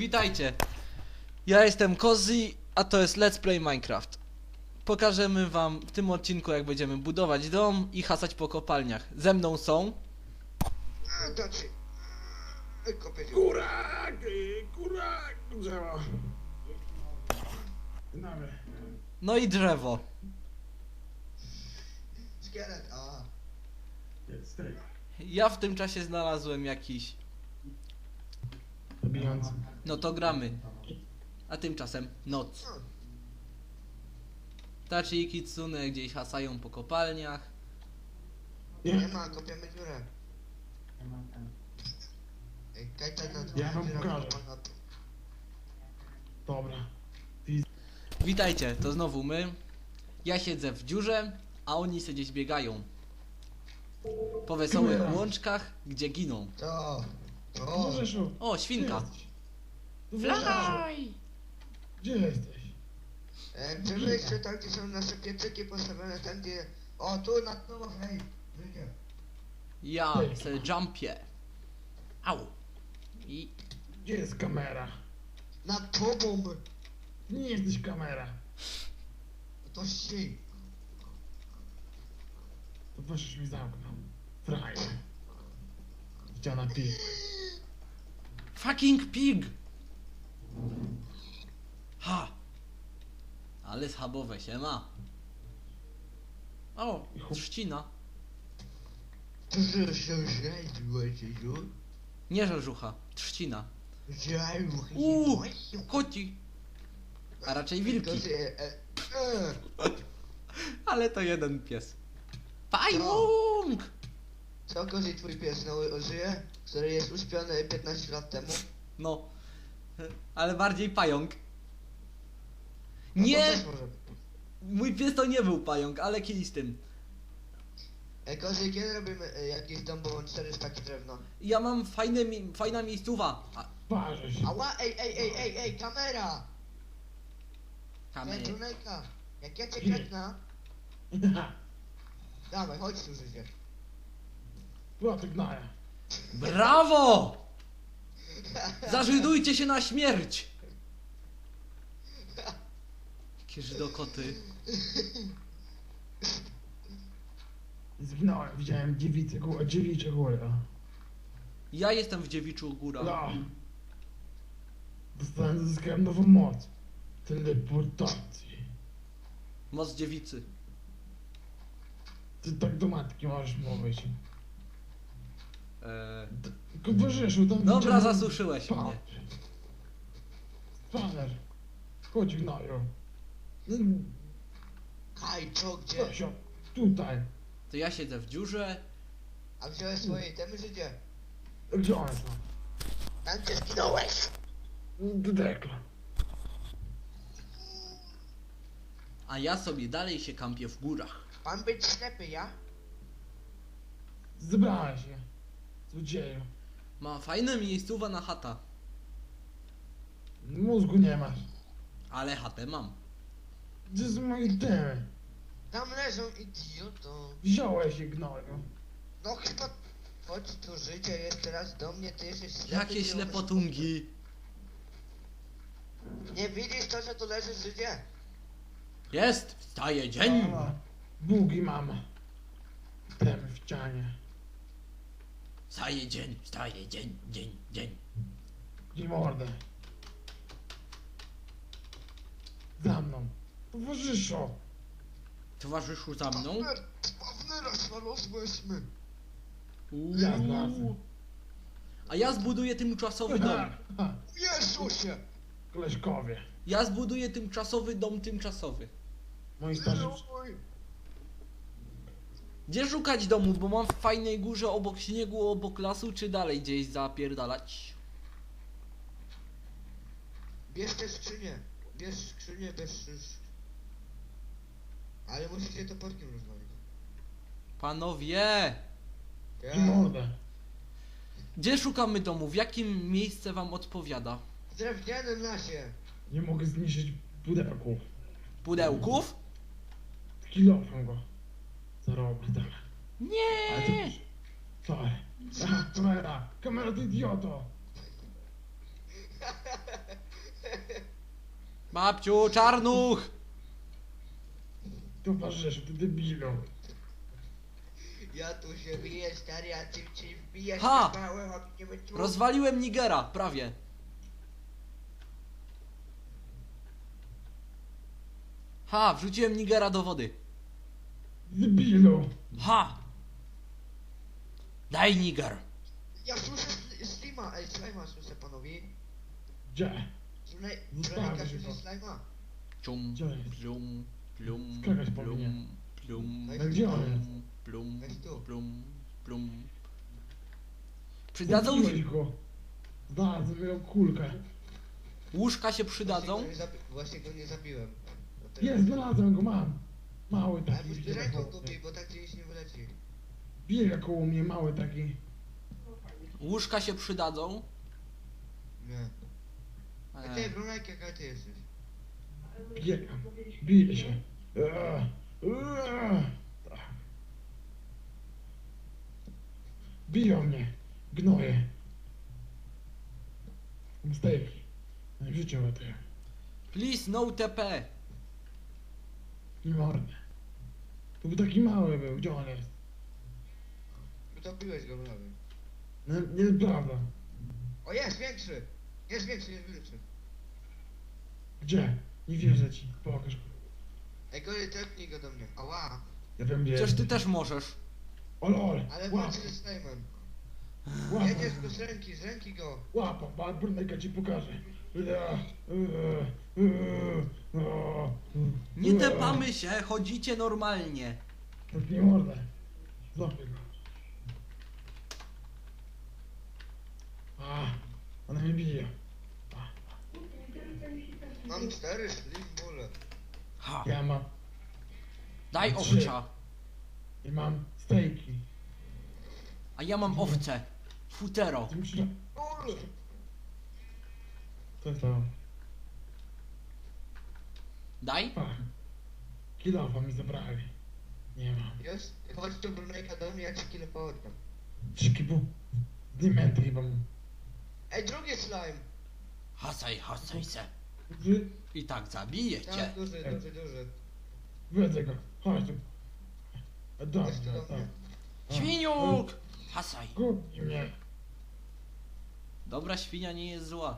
Witajcie! Ja jestem Kozi, a to jest Let's Play Minecraft. Pokażemy wam w tym odcinku, jak będziemy budować dom i hasać po kopalniach. Ze mną są... Znaczy... Kopię dziurę. Kurak, drzewo. Mamy. No i drzewo. Szkielet, a. Jest tak. Ja w tym czasie znalazłem jakiś... Zabijający. No to gramy. A tymczasem noc. Tachi i Kitsune gdzieś hasają po kopalniach. Nie Nie, ma, kopiemy dziurę. Ej, Kajta na Ja wam pokażę. Dobra. Witajcie, to znowu my. Ja siedzę w dziurze, a oni sobie gdzieś biegają. Po wesołych Dziura. łączkach, gdzie giną. To. Możeszu. O, świnka. Fly! Gdzie jesteś? Czy wy jeszcze tam, gdzie są nasze piecyki postawione, tam gdzie... O, tu na tobą, hej. Wyjdzie. Ja se jumpie. Au. I... Gdzie jest kamera? Nad tobą. Nie jesteś kamera. To ścig. To proszę mi zamknął. Frajer. Ściana pi. Fucking pig! Ha! Ale schabowe się ma. O, trzcina. To że się żejdziłeś już? Nie żarzucha, trzcina. Żejdziłeś. Koci. A raczej wilki. Ale to jeden pies. Pająk! Co, Kozi, twój pies żyje? Który jest uśpiony 15 lat temu? No. Ale bardziej pająk. No to Nie! też może. Mój pies to nie był pająk, ale kiedyś z tym. Ej, Kozi, kiedy robimy jakiś dom, bo mam 4 staki drewna? Ja mam fajna miejscowa. Parzę się. Ała, ej, kamera! Kamery. Tunejka, jak ja cię kretnę, dawaj, chodź tu, życie. Była ty gnaja. Brawo! Zażydujcie się na śmierć! Jakie żydokoty. Zginąłem, widziałem dziewicze góry. Ja jestem w Dziewiczu Góra. No. Zyskałem nową moc. Teleportacji. Moc dziewicy. Ty tak do matki możesz mówić. Tylko towarzyszu, tam Dobra, widziałem- zasuszyłeś Pa- mnie. Spaner. Chodź gnoju. Kaj, co, gdzie? Stasio, tutaj. To ja siedzę w dziurze. A wziąłeś swoje itemy, życie? Gdzie one są? Tam cię zginąłeś! Do dekla. A ja sobie dalej się kampię w górach. Pan być ślepy, ja? Zebrałem się. Złodzieju. Ma fajne miejscowa na chata. Mózgu nie masz. Ale chatę mam. Gdzie są moje temy? Tam leżą, idioto. Wziąłeś je gnoju. No chyba... Chodź tu, życie jest teraz do mnie, ty jesteś ślepy. Jakie nie ślepotungi. umiesz- Nie widzisz to, że tu leży życie? Jest! Wstaje dzień! Bugi mama. Temy w ścianie. Wstaje dzień, wstaje dzień, dzień. Gdzie mordę? Za mną. Towarzyszu. Towarzyszu za mną. Pawner, znalazłyśmy. Ja znalazłem. A ja zbuduję tymczasowy dom. Jezusie! Koleżkowie. Ja zbuduję tymczasowy dom tymczasowy. Moi starzy... Oj. Gdzie szukać domu, bo mam w fajnej górze obok śniegu, obok lasu, czy dalej gdzieś zapierdalać? Bierz te skrzynie. Bierz skrzynię bez... Ale musicie to porkiem rozmawiać. Panowie! I mordę. Gdzie szukamy domu? W jakim miejsce wam odpowiada? W drewnianym lasie. Nie mogę zniszczyć pudełków. Pudełków? Kilofem go. Zarobi tam. Nie! Ale to... Sorry. Aha, kamera! Kamera, ty idioto! Babciu, czarnuch! Towarzyszu, ty debilu. Ja tu się biję, stary, a ty ci wbijać Ha! na małe, a nie wyczuł. Rozwaliłem Nigera, prawie. Ha, wrzuciłem Nigera do wody. Debilu. Ha! Daj Niger. Ja słyszę slima, ej, slima słyszę, panowie. Gdzie? Żonika się słyszy to. slima. Cium, Gdzie jest? plum, plum, Skakać plum, powinien. plum, Weź No gdzie on jest? plum, Weź tu. plum, plum. Przydadzą Zabiłeś go. Znalazłem jego kulkę. łóżka się przydadzą. Właśnie go nie zabiłem. Dlatego- Jest, znalazłem go, mam. Mały Ale taki. musisz biega ręką koło go mnie. bij, bo tak gdzieś nie wyleci. Biega koło mnie, mały taki. Łóżka się przydadzą. Nie. A ty, Brunek, jaka ty jesteś? Biega. Bije się. Tak. Biją mnie. Gnoje. Mistake. Nie w życiu o tym. Please no TP. Nie mordę. To był taki mały był. Gdzie on jest? Utopiłeś go prawie. No, nieprawda. O, jest większy! Jest większy, jest większy. Gdzie? Nie wierzę ci. Pokaż. Ej, gory, tepnij go do mnie. Ała! Ja wiem gdzie Przecież jest. ty też możesz. Ol. Ale Łap. walczy ze slime'em. Łap. Jedziesz go z ręki go. Łapa. Brunejka ci pokażę. Nie tepamy się, chodzicie normalnie. Tak nie mordę. Złapię go. Ona mnie bije. Mam 4 slim bóle. Ha. Ja mam. Daj Trzy. owcza. I mam stejki. A ja mam owce. Futero. Ty musisz... Ul! Co jest to? Daj. Kilofa mi zabrali. Nie mam. Jest? Chodź tu, Brunejka, do mnie, ja ci kilę połodniam. Trzyki dimenty chyba mam. Ej, drugi slime! Hasaj se. Wy... I tak zabiję Tak, cię. duży. Wiedzę go. Chodź tu. Dobrze, Chodź tu do tak. mnie. Świniuk! Hasaj. Kupi mnie. Dobra świnia nie jest zła.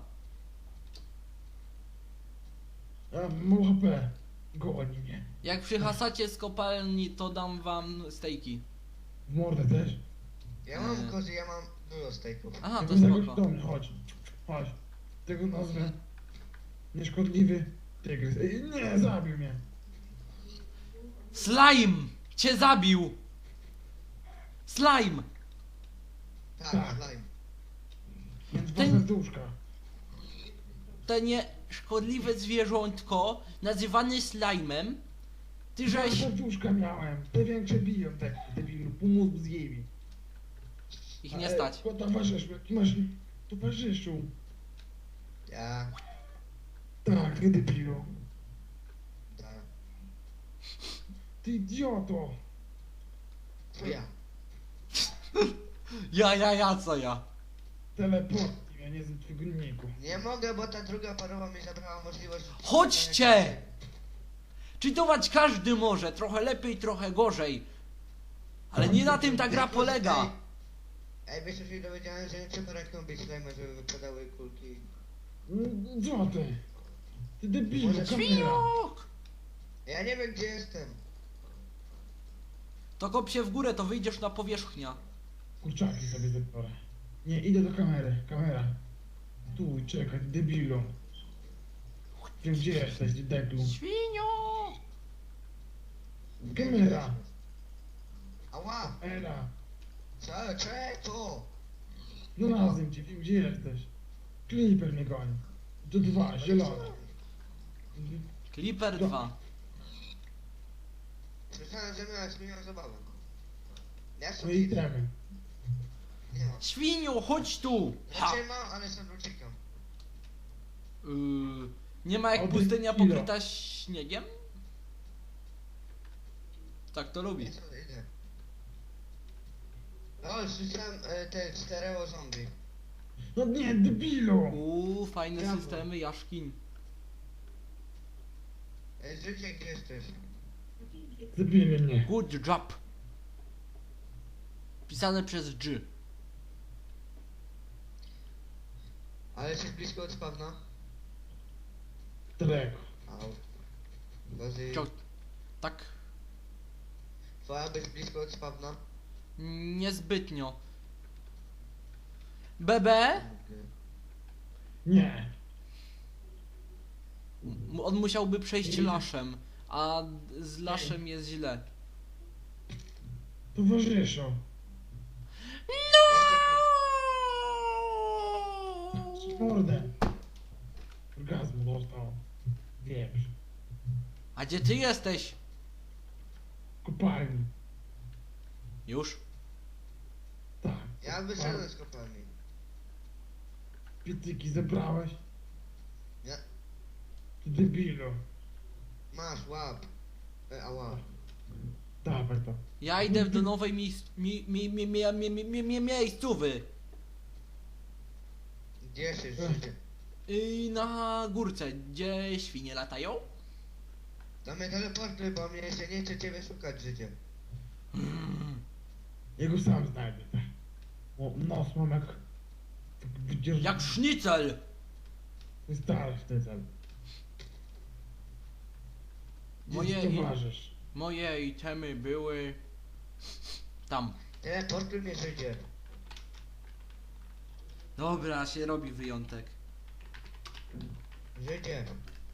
Ja mam HP. Goni mnie. Jak przyhasacie z kopalni, to dam wam stejki. W mordę też. Ja mam kozy, ja mam dużo stejków. Aha, to Tego zagość spoko. do mnie, chodź. Chodź. Tego nazwę. Nieszkodliwy tygrys. Ej, nie, zabił mnie. Slime! Cię zabił! Slime! Tak, Tak. slime. Więc dwa Ten- serduszka. To nieszkodliwe zwierzątko, nazywane slime'em. Ty Dwa żeś... serduszka miałem. Te większe biją, te debilu. Pomóż zjebie. Ich nie stać. Towarzyszu, jaki masz towarzyszu? Ja. Tak, ty debilu. Tak. Ty idioto. To ja. Ja, co ja? Teleport. Ja nie jestem twojego niku. Nie mogę, bo ta druga parowa mi zabrała możliwość... Chodźcie! Czytować każdy może, trochę lepiej, trochę gorzej. Ale nie na tym ta gra polega. Ej, wiesz, co się dowiedziałem, że nie trzeba ręką bić slime, żeby wypadały kulki. Co ty? Ty debilu, Może kamera. Świniuk! Ja nie wiem, gdzie jestem. To kop się w górę, to wyjdziesz na powierzchnię. Kurczaki sobie zabiorę. Nie, idę do kamery. Kamera. Tu, czekaj, debilu. Wiem, gdzie jesteś, ty deblu. Świnio! Kamera. Ała! Era. Czego? Znalazłem cię, wiem, gdzie jesteś. Kliper mnie goni. To dwa, zielone. Clipper 2. Słyszałem, że miałeś zmienią zabawę. Ja No sobie i idę. idziemy. Nie ma. Świniu, chodź tu! Ha! Znaczy mam, ale sam uciekam. Nie ma jak Oby pustynia kilo. pokryta śniegiem? Tak to lubi. Ja sobie idę. No, słyszałem te stereo zombie. No nie, debilu! Fajne Brawo. systemy jaskiń. Życie, gdzie jesteś? Zabili mnie. Good job. Pisane przez G. Ale jesteś blisko od spawna? Daleko. Au. Kozy, Ciao. Tak? twoja być blisko od spawna? Niezbytnio. BB? Nie. On musiałby przejść laszem, a z laszem jest źle. Towarzyszu. Mordę. Orgazmu dostał. Wieprz. A gdzie ty jesteś? Kopalni. Już? Tak. Ja wyszedłem z kopalni. Pietyki zebrałeś? Nie. Ty debilu. Masz, łap. Ała. Dawaj to. Ja idę do nowej miejscówy. Gdzie jesteś, życie? Na górce, gdzie świnie latają? To mnie teleportuj, bo mnie się nie chce ciebie szukać, życie. Ja go sam znajdę, tak. O, nos mam jak... Tak wydzierż... Jak sznicel! Stary w ten cel. Moje- Moje... towarzysz. Moje itemy były... tam. Teleportuj mnie, życie. Dobra, się robi wyjątek. Życie.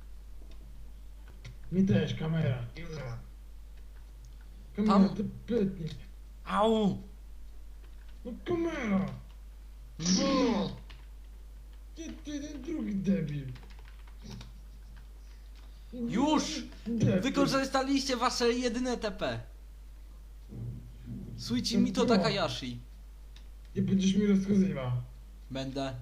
Mi też, kamera. Dziura. Kamera, Tam- ty pytnie. Au! No kamera! No! Ty ten drugi debil. Już! Debil. Wykorzystaliście wasze jedyne TP. Suichi Mito Takayashi. Nie będziesz mi rozkazywał. Będę.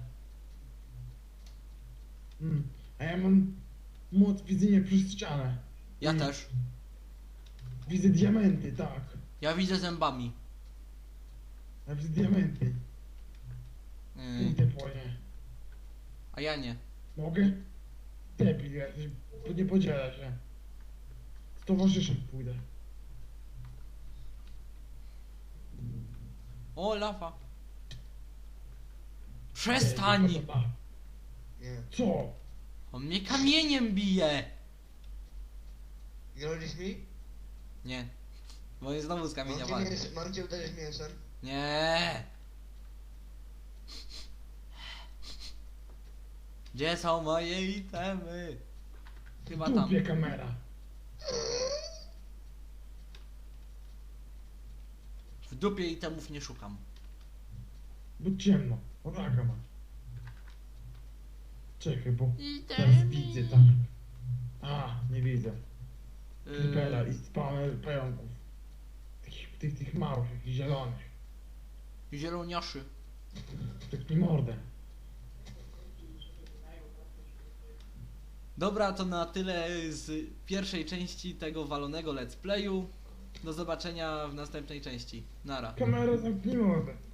A ja mam moc widzenia przez ścianę. Ja I też. Widzę diamenty, tak. Ja widzę zębami. Ja widzę diamenty. Idę po nie. A ja nie. Mogę? Debil jesteś, bo nie podziela się. Z towarzyszem pójdę. O, lawa. Przestań! Nie. Co? On mnie kamieniem bije! Grozisz mi? Nie. Bo jest znowu z kamienia walczy. Mam cię uderzyć mięsem? Nie. Gdzie są moje itemy? Chyba W tam. dupie kamera. W dupie itemów nie szukam. Bo ciemno. Raka ma. Czekaj, bo teraz widzę tak. A, nie widzę. Creepera i spamy pająków. Tych małych, jakich zielonych. Zieloniaszy. Tak mi mordę. Dobra, to na tyle z pierwszej części tego walonego let's playu. Do zobaczenia w następnej części. Nara. Kamera zamknij mordę.